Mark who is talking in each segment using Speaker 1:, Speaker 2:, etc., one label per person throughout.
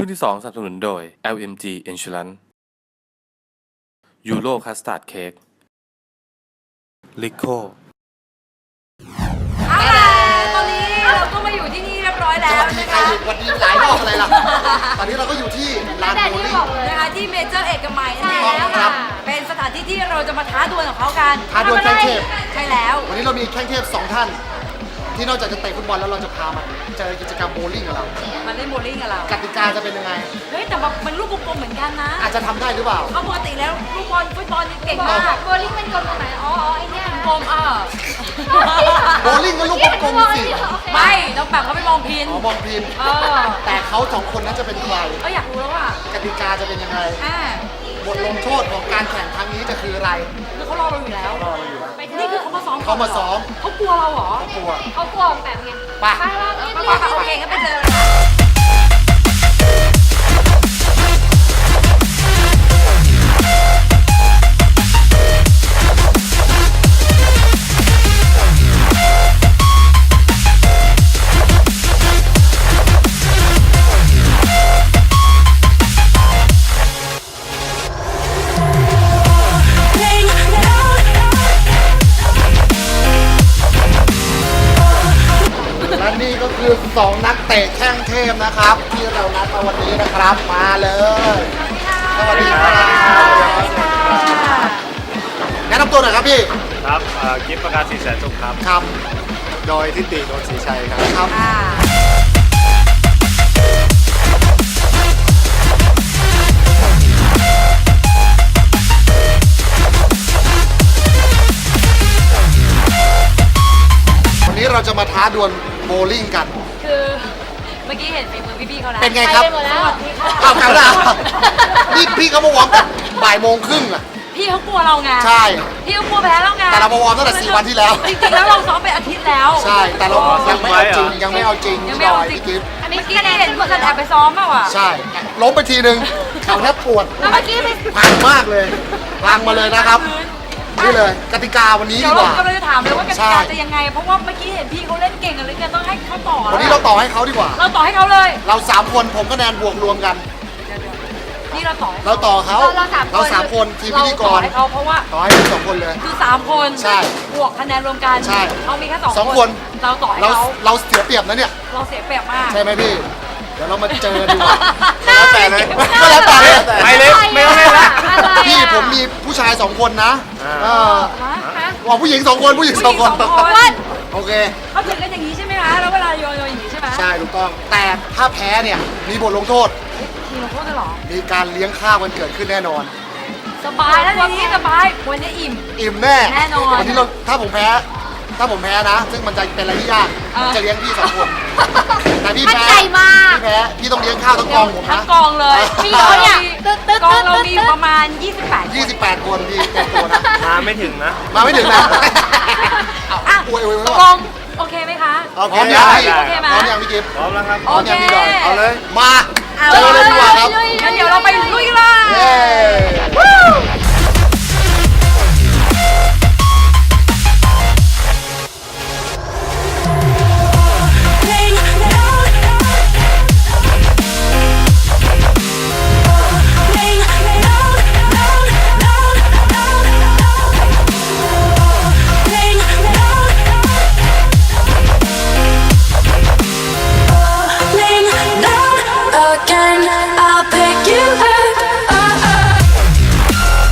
Speaker 1: งที่2สนับสนุนโดย LMG Insurance Euro Custard Cake Lico
Speaker 2: ตอนนี้เราก็มาอยู่ที่นี่เรียบร้อยแล้วนะคะ
Speaker 3: วันนี้หลายรอบอะไรล่ะ ตอนนี้เราก็อยู่ที่ลานโบลิ่ง
Speaker 2: นะคะที่เมเจอร์เอกมัยนั่นเอง
Speaker 3: ใช่แล้วครับ
Speaker 2: เป็นสถานที่ที่เราจะมาท้าดวลกับเขากัน
Speaker 3: ท้าดวลแข้งเทพ
Speaker 2: ใช่แล้ว
Speaker 3: วันนี้เรามีแข้งเทพ2ท่าน ที่นอกจากจะเตะฟุตบอลแล้วเราจะพามาเจอกิจกรรมโบว์ลิ่งกับเรา
Speaker 2: มาเล่นโบว์ลิ่งกับเรา
Speaker 3: กติกาจะเป็นยังไง
Speaker 2: เฮ้ยแต่แบบมันลูกกลมๆเหมือนกันนะ
Speaker 3: อาจจะทำได้หรือเปล่า
Speaker 2: เอาปกติแล้วลูกบอลฟุตบอลนี่เก่งมาก
Speaker 4: โบลิ่งเป็นกลมตรงไหนอ๋อไอเนี่ย
Speaker 2: กลม
Speaker 3: โบว์ลิ่งก็ลูกกลมๆสิ
Speaker 2: ไม่ต้องแบบเขาไปมองพิน
Speaker 3: อ๋อมองพิน แต่เขา2คนนั้นจะเป็นใคร
Speaker 2: อยากรู้แล้วว่ะ
Speaker 3: กติกาจะเป็นยังไง บทลงโทษของการแข่งครั้งนี้จะคืออะไร
Speaker 2: คือเขารอเราอยู่แล้ว
Speaker 3: รอเราอยู่แล้ว
Speaker 2: นี่คือเขามาซ้อม
Speaker 3: เขามาซ้อม
Speaker 2: เขากลัวเราเหรอ
Speaker 3: กลัว
Speaker 4: เขากลัวแบบไง
Speaker 3: ไป
Speaker 2: ไปโอเคงั้นไปเจอ
Speaker 3: และนี่ก็คือ2นักเตะแข้งเทพนะครับ ที่เรานัดมาวันนี้นะครับ มาเลย สวัสดีครับแนะนำตัวหน่อยครับพี่
Speaker 5: ครับกิฟต์ประกาศสีแสนสุขครับ
Speaker 3: ครับ
Speaker 5: โดยทิติโดนศรีชัยครับ
Speaker 3: ครับวันนี้เราจะมาท้าดวลโบว์ลิ่งกัน
Speaker 2: คือเมื่อกี้เห็นฝีมือพี่ๆเขาแล้ว
Speaker 3: เป็นไงครับ
Speaker 4: ไปหมดแล้ว
Speaker 3: เอากันละนี่พี่เขามาวอร์มกันบ่ายโมงครึ่งอ่ะ
Speaker 2: พี่เขากลัวเราไง
Speaker 3: ใช่
Speaker 2: พี่เขากลัวแพ้เราไง
Speaker 3: แต่เรามาวอร์มตั้งแต่4 วันที่แล้ว
Speaker 2: จริงๆแล้วเราซ้อมไปอาทิตย์แล้ว
Speaker 3: ใช่ แต่เรายังไม่เอาจริง ยังไม่เอาจริง
Speaker 2: ยัง
Speaker 3: พี่
Speaker 2: ไม่
Speaker 3: ด
Speaker 2: เอา
Speaker 3: อย
Speaker 2: จริง
Speaker 3: พี่กิฟต์
Speaker 4: อันนี้
Speaker 2: เมื่อกี้นี่เห็นคนแอบไปซ้อมมากว่ะ
Speaker 3: ใช่ ล้มไปทีนึงเข่าแทบปวด
Speaker 4: แล้วเมื่อกี้ไป
Speaker 3: พังมากเลยพังมาเลยนะครับ นี่เลย กติกาวันนี้
Speaker 2: เดี๋
Speaker 3: ดี
Speaker 2: ยว
Speaker 3: ก
Speaker 2: เรา
Speaker 3: ว่า
Speaker 2: กำลังจะถามเลยว่ากติ
Speaker 3: ใช่
Speaker 2: กาจะยังไง เพราะว่าเมื่อกี้เห็นพี่เขาเล่นเก่งกันเลยเนี่ยต้องให้เขาต่อ
Speaker 3: วันนี้เราต่อให้เขาดีกว่า
Speaker 2: เราต่อให้เขาเลย
Speaker 3: เรา3 คนผมคะแนนบวกรวมกัน
Speaker 2: นี่เราต่อ
Speaker 3: เราต่อเขา
Speaker 4: เราสามคน
Speaker 3: ทีมพิธีก
Speaker 2: ต่อ
Speaker 3: ร
Speaker 2: ให้เขาเพราะว่า
Speaker 3: ต่อให้ทั้ง2 คนเลย
Speaker 2: คือ3 คน
Speaker 3: ใช่
Speaker 2: บวกคะแนนรวมกัน
Speaker 3: ใช่
Speaker 2: เขามีแค่
Speaker 3: สอง
Speaker 2: 2
Speaker 3: คน
Speaker 2: เราต่อให้
Speaker 3: เรา
Speaker 2: เขา
Speaker 3: เราเสียเปรียบนะเนี่ย
Speaker 2: เราเสียเปรียบมาก
Speaker 3: ใช่ไหมพี่ เดี๋ยวเรามาเจอดีกว่า
Speaker 5: แล้วแต่เลย
Speaker 3: ก็แล้วแต่เลย
Speaker 5: ไม่เล่นไม่ต้องเล่นละ
Speaker 3: พี่ผมมีผู้ชาย2 คนนะ
Speaker 5: อ่า
Speaker 3: เออ
Speaker 2: ฮะ
Speaker 3: ว่าผู้หญิง2 คนผู้หญิง
Speaker 2: ผู้หญิง
Speaker 3: 2 คน
Speaker 2: สองคน
Speaker 3: โอเค
Speaker 2: เขาถึงกันอย่างนี้ใช่ไหมคะแล้วเวลาโยนอย่างนี้ใช่ไหม
Speaker 3: ใช่ถูกต้อง แต่ถ้าแพ้เนี่ยมีบทลงโทษ
Speaker 2: ทีมเราโทษได้หรอ
Speaker 3: มีการเลี้ยงข้าวกันเกิดขึ้นแน่นอน
Speaker 2: สบายแล้วทีนี้สบายวันนี้อิ่ม
Speaker 3: อิ่มแน่
Speaker 2: แน่นอน
Speaker 3: วันนี้เราถ้าผมแพ้นะ ซึ่งมันจะเป็นอะไรที่ยากผมจะเลี้ยงพี่2 คน แต่พี่
Speaker 4: มั่น
Speaker 3: แพ้
Speaker 4: ใจมาก
Speaker 3: พี่แพ้พี่ต้องเลี้ยงข้าวทั้งกองผม
Speaker 2: ทั้
Speaker 3: นะ
Speaker 2: งกองเลย
Speaker 4: พี่เขาเนี่ยตึ๊ดตึ๊ด
Speaker 2: กอง
Speaker 4: ตึ๊ด
Speaker 2: เรามีอยู่ประมาณ 28
Speaker 3: 28 คนพี่เต็มตัวนะ
Speaker 5: มาไม่ถึงนะ
Speaker 3: มาไม่ถึงนะ
Speaker 2: อ่ะ
Speaker 3: อวย
Speaker 2: ตกลงโอเคไหมคะ
Speaker 3: พร้อมยังพี่
Speaker 2: โอเคไหม
Speaker 3: พร้อมยังพี่กิฟต์
Speaker 5: พร้อมแล้วครับ
Speaker 3: พร้อมยังพี่ดอยเอาเลย มา
Speaker 2: เอา
Speaker 3: เจอเลยดีกว่าครับ
Speaker 2: งั้นเดี๋ยวเราไปลุยกันเลย
Speaker 3: เย้
Speaker 6: Again, I'll pick you up.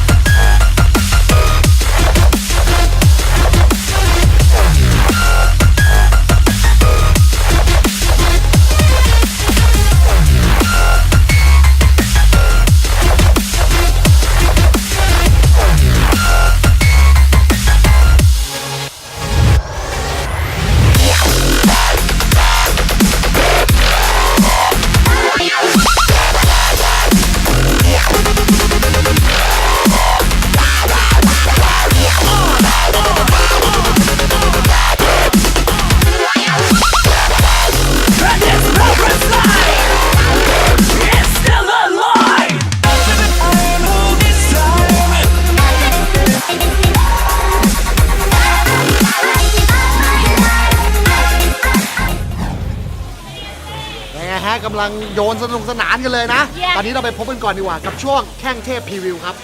Speaker 3: พ้กำลังโยนสนุกสนานกันเลยนะ ตอนนี้เราไปพบกันก่อนดีกว่ากับช่วงแข่งเทพพรีวิวครับ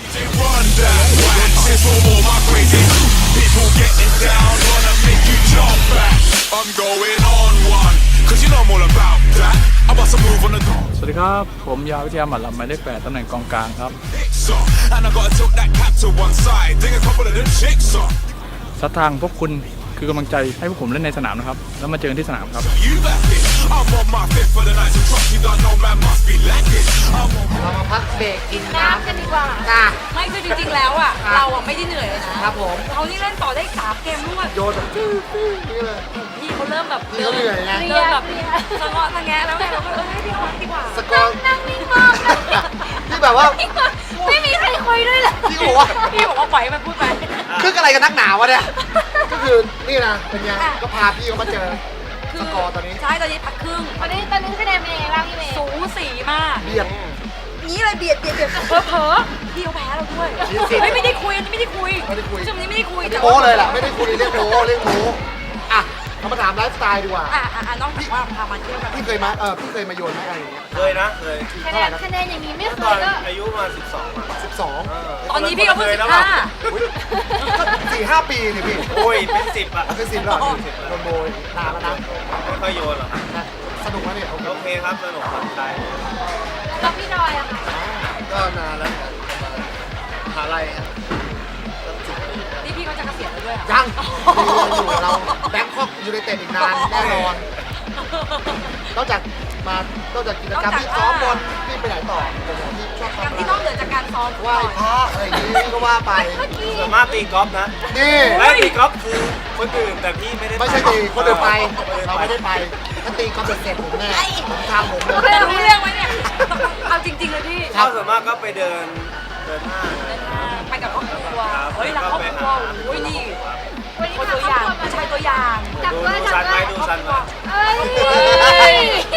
Speaker 6: I'm going on one, cause you know I'm all about that. I'm about to move on the
Speaker 7: สวัสดีครับ ผมยาววิทยาหมัดลำหมายเลข8ตำแหน่งกองกลางครับ
Speaker 6: song, and I gotta tilt that cap to one side. Think a couple of them chicks on.
Speaker 7: สัทางพวกคุณคือกำลังใจให้พวกผมเล่นในสนามนะครับ แล้วมาเจอกันที่สนามครับ
Speaker 6: You left it. I'm on my fifth for the night, so trust you don't know man must be lacking. I'm on
Speaker 3: เรามาพักเบรกกินน้
Speaker 4: น้ำกันดีกว่า
Speaker 3: ำจ้า
Speaker 2: ไม่คือจริงๆแล้วอ่ะเราอ่ะไม่ได้เหนื่อยเลยนะครับ
Speaker 3: ผม
Speaker 2: เขานี่เล่นต่อได้3 เกมรวด
Speaker 3: โยนแบบตื้อนี่เลย
Speaker 2: พี่เขาเริ่มแบบ
Speaker 3: พี่เขาเหนื่อยไง
Speaker 2: เริ่มแบบสะเงาะสะแงะแล้วไงเราก็ให้พี่เขาพักดีกว่า
Speaker 3: สกอร์
Speaker 4: นั่งนิ่งมาก
Speaker 3: ที่แบบว่า
Speaker 4: ไม่มีใครคุยด้วยเลย
Speaker 3: ที่บอกว่า
Speaker 2: พี่บอกว่าปล่อยให้มันพูดไป
Speaker 3: คึกอะไรกันนักหนาวะเนี่ย ก็คือนี่นะเป็นไงก็พาพี่เขามาเจอสกอร์ตอนนี้
Speaker 2: ใช่ตอนนี้พักครึ่ง
Speaker 4: ตอนนี้คะแนนเป็นยังไงบ้างพี่เมย์
Speaker 2: สูสีมาก
Speaker 3: เบียด
Speaker 2: นี้เลยเบียดเผลอๆพี่เขาแพ้เราด้วย
Speaker 3: ชี้สิ
Speaker 2: ไม่ได้คุยอันนี้ไม่ได้คุย
Speaker 3: ไม่ได้คุย
Speaker 2: ผู้ชมนี้ไม่ได้คุย
Speaker 3: อันนี้โม้เลยแหละไม่ได้คุยเรียกโม้อ่ะเรามาถามไลฟ์สไตล์ดีกว่า
Speaker 2: น้องบอกว่าพามาเที่ยวกัน
Speaker 3: พี่เคยมาโยนไหมอะไรอย่างเงี้ย
Speaker 5: เคยนะเคย
Speaker 4: คะแนนอย่างนี้ไม่เค
Speaker 5: ตอน
Speaker 4: ยก็
Speaker 5: อายุมา12อ่ะ
Speaker 3: 12
Speaker 2: ตอนนี้พี่ก็เพิ่ง
Speaker 5: แล้วอะ
Speaker 3: 4-5 ปีนี่พี่
Speaker 5: โอ้ยเป็น10อ่ะ
Speaker 3: เป็น10แล้วโดนโบยนานแล้วนะ
Speaker 5: ไม่ค่อยโยนหรอกครับ
Speaker 3: สนุกไหมเนี่ยโอเค
Speaker 5: โอเคครับสนุกผ่อนคลาย
Speaker 4: แล้วพี่ดอยอะค่ะ
Speaker 5: ก็นานแล้วหาอะไรครับ
Speaker 2: นี่พี่เขาจะเกษียณแล้วด้วย
Speaker 3: ยังอยู่กับเราแบงคอกยูไนเต็ดอีกนานแน่นอนนอกจากกิจกรรมที่ซ้อมบอลพี่ไปไหนต่อผมที่ชอบ
Speaker 2: การ
Speaker 3: ทำ
Speaker 2: ที่นอกเหนือจากการซ้อม
Speaker 3: ไหว้พระอะไรอย่างนี้ก็ว่าไป
Speaker 5: ส่วนมากตีกอล์ฟนะ
Speaker 3: นี่
Speaker 5: และตีกอล์ฟคือคนอื่นแต่พี่ไม่ได้
Speaker 3: ไม่ใช่ตีคนเดินไปเราไม่ได้ไปถ้าตีก็เป็นเสร็จผมแน่ผมทำผมเลย
Speaker 2: เรื่องรู้เรื่องไหมเนี่ยเอาจริงๆเลยพี่
Speaker 5: เข้าส่วนมากก็ไปเดินห้าง
Speaker 2: ไปกับครอบครัวเฮ้ยรักครอบครัวโอ้ยนี่
Speaker 4: วันนี้
Speaker 2: คน
Speaker 4: พา
Speaker 2: ตัว
Speaker 4: คร
Speaker 2: อ
Speaker 4: อบ
Speaker 2: ย่าง
Speaker 4: ครัวมา
Speaker 2: ผู้ชายตัวอย่าง
Speaker 4: จับ
Speaker 5: ดู
Speaker 4: ด้วยจับ
Speaker 5: ซันไหม
Speaker 4: ด้วย
Speaker 5: ดูซันไหม
Speaker 4: เอ้ย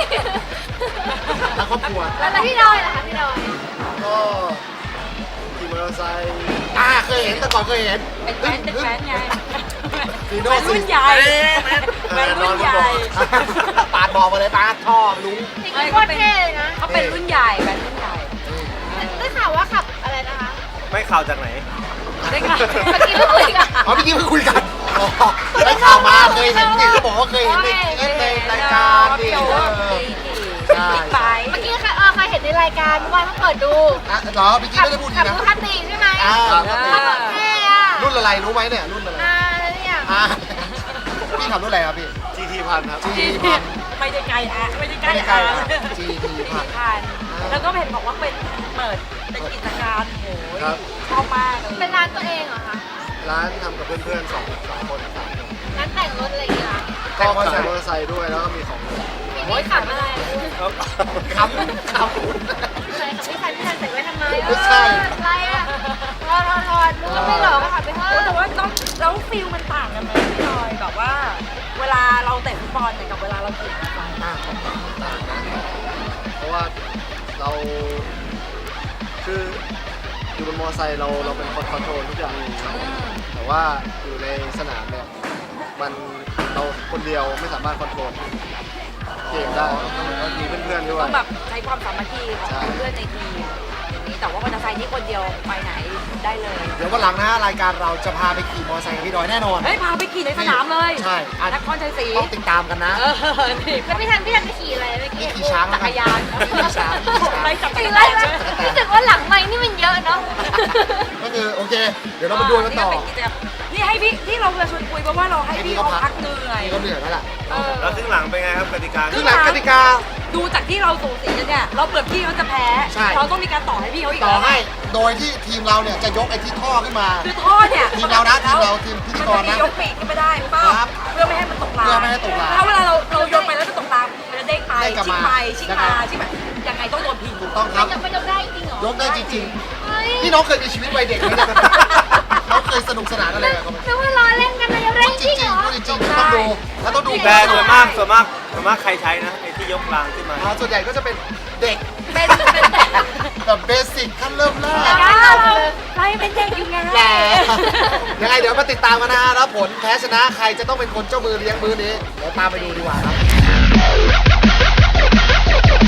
Speaker 3: แล้วครอบครัว
Speaker 4: แล้วพี่ดอยล่ะคะพี่ดอย
Speaker 5: ก็ขี่มอเตอร์ไซค์
Speaker 3: เคยเห็นแต่ก่อนเคยเห็น
Speaker 2: เป็นแฟนไง
Speaker 3: ฟีโ
Speaker 2: แฟนรุ่นใหญ่แฟนรุ่นใหญ่
Speaker 3: ปาดบอกมาเลยปาดท่อลุง
Speaker 4: จริงๆโคตรเท่เลยนะ
Speaker 2: เขาเป็นรุ่นใหญ่แฟนรุ่นใหญ่
Speaker 4: ได้ข่าวว่าขับอะไรนะคะ
Speaker 5: ไม่ข่าวจากไหน
Speaker 2: ได้ค่ะ
Speaker 4: เมื่อกี้เพิ่งคุยกัน
Speaker 3: เมื่อกี้เพิ่งคุยกันได้ข่าวมาเคยเห็นจริงก็บอกว่าเคยเห็นในรายการดิใช่
Speaker 2: ไป
Speaker 4: เมื่อกี้ค่ะเคยเห็นในรายการเมื่อวานเพิ่งเปิดดู
Speaker 3: เหรอพี่กี้ไม่ได้พูดดี
Speaker 4: ขับ
Speaker 3: นะ
Speaker 4: ดูคันตีใช่ไหม
Speaker 3: ครับ
Speaker 4: ขับแบบเท่อะ
Speaker 3: รุ่นอะไรรู้ไหมเนี่ยรุ่นอะไร
Speaker 4: เนี่ย
Speaker 3: พี่ขับรุ่นอะไรครับพี่
Speaker 5: GT พันครับ
Speaker 3: G พัน
Speaker 2: ไม่ได้ไกลอ่ะไม่ได้ใกล้
Speaker 3: ไม่ได้ใกล้
Speaker 2: อ่ะ
Speaker 3: อ่ะ GT พัน
Speaker 2: พันแล้วก็เห็นบอกว่าเป็นเปิดเป็นกิจการโหย
Speaker 5: ครับ
Speaker 2: ชอบมากเลย
Speaker 4: เป็นร้านตัวเองเหรอคะ
Speaker 5: ร้านทำกับเพื่อนๆ3 คน
Speaker 4: ร้านแต่งรถอะไรอย่างเงี้ย
Speaker 5: ก็ขายมอเตอร์ไซค์ด้วยแล้วก็มีของ
Speaker 4: พี่ขับอะไร
Speaker 5: ครับ
Speaker 3: ขับ
Speaker 4: ใช่พี่คันใส่ไว้ทำไม
Speaker 3: ไม่ใช่
Speaker 4: อะไรอะรอรู้ว่าไม่หลอกก็ขับไปเถ
Speaker 2: แต่
Speaker 4: อะ
Speaker 2: ว่าแล้วฟิลมันต่างกันไหมพี่ลอยแบบว่า เวลาเราเตะฟุตบอลเนี่ยกับเวลาเราขี่มอเตอร์ไซค์
Speaker 5: ต่างนะเพราะว่าเราคืออยู่บนมอเตอร์ไซค์เราเป็นคนคอนโทรลทุกอย่างแต่ว่าอยู่ในสนามเนี่ยมันเราคนเดียวไม่สามารถคอนโทรลเกมได้ต้องมีเพื่อนๆด้วย
Speaker 2: ต้องแบบใช้ความสามัคคีของ
Speaker 5: ใช่
Speaker 2: เพื่อนในทีมอย่างนี้แต่ว่ามอเตอร์ไซค์นี่คนเดียวไปไหนได้เลย
Speaker 3: เดี๋ยววันหลังนะรายการเราจะพาไปขี่มอเตอร์ไซค์กับพี่ดอยแน่นอน
Speaker 2: เฮ้ยพาไปขี่ในสนามเลย
Speaker 3: ใช่
Speaker 2: นครชัยศรี
Speaker 3: ต้องติดตามกันนะ
Speaker 2: นี่
Speaker 4: แล้วพี่ทันไปขี่อะไรเมื่อกี้
Speaker 3: ขี่ช้าง
Speaker 2: จักรยาน
Speaker 3: ขี่ช้าง
Speaker 2: ไปจักร
Speaker 4: ขี่
Speaker 2: ยา
Speaker 4: อะไร
Speaker 2: น
Speaker 4: วะรู้สึกว่าหลังไม้นี่มันเยอะเนาะ
Speaker 3: ก็คือโอเค เดี๋ยวเรามาดูกันต่อ
Speaker 2: นี่ให้พี่ที่เราจะชวนคุยเพราะว่าเราให้พี่เขาพักเหนื่อย
Speaker 3: พี่เขาเหนื่อยแล้วล่ะ
Speaker 5: แล้วครึ่งหลังเป็นไงครับกติกา
Speaker 3: ครึ่งหลังกติกา
Speaker 2: ดูจากที่เราสูสีกันเนี่ยเราเปิดพี่เขาจะแพ้
Speaker 3: ใช่
Speaker 2: เราต้องมีการต่อให้พี่เขาอีก
Speaker 3: ต่อให้โดยที่ทีมเราเนี่ยจะยกไอ้ที่ท่อขึ้นมา
Speaker 2: คือท่อเนี่ย
Speaker 3: ทีมเรานะทีมเราทีมพิธีกรนะ
Speaker 2: มันจมียกปีกขึ้นไม่ได้เปล่า
Speaker 3: ครับ
Speaker 2: เพื่อไม่ให้มันตกราง
Speaker 3: เพื่อไม่ให้ตกราง
Speaker 2: ถ้าเวลาเราโยนไปแล้วจะตกรางมันจะเด้งไป
Speaker 3: เด้งกลับ
Speaker 2: ชิก
Speaker 3: มา
Speaker 2: ไปชิกมาชิกแบบยังไงต้องโดนพิง
Speaker 3: ถูกต้องครับ
Speaker 4: มันยกได้จริงเหรอย
Speaker 3: กได้จริง
Speaker 4: เฮ้ย
Speaker 3: ๆ นี่น้องเคยมีชีวิตวัยเด็กไหมเนี่ยน้องเคยสนุกสนานอะไรกับเขาไหม
Speaker 4: นึกว่าล้อเล่นกันนะยกได้
Speaker 3: จ
Speaker 4: จริ
Speaker 3: ริ
Speaker 4: ง
Speaker 3: ง
Speaker 4: เหรอ
Speaker 3: ๆพูดจริงๆต้องดูแล้วต้องดู
Speaker 5: แต่ส่วนมากใครใช้นะไอ้ที่ยกรางขึ้นมา
Speaker 3: ส่วนใหญ่ก็จะเป็นเด็ก
Speaker 2: เป็น
Speaker 3: แบบเบสิกขั้นเริ่มแรก
Speaker 2: เรายังเป็นเด็กอยู่ไง
Speaker 3: แหละยังไงเดี๋ยวมาติดตามกันนะฮะแล้วผลแพ้ชนะใครจะต้องเป็นคนเจ้ามือเลี้ยงมือนี้เดี๋ยวตามไปดูดีกว่าครับ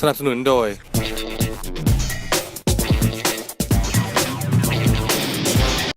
Speaker 1: สนับสนุนโดย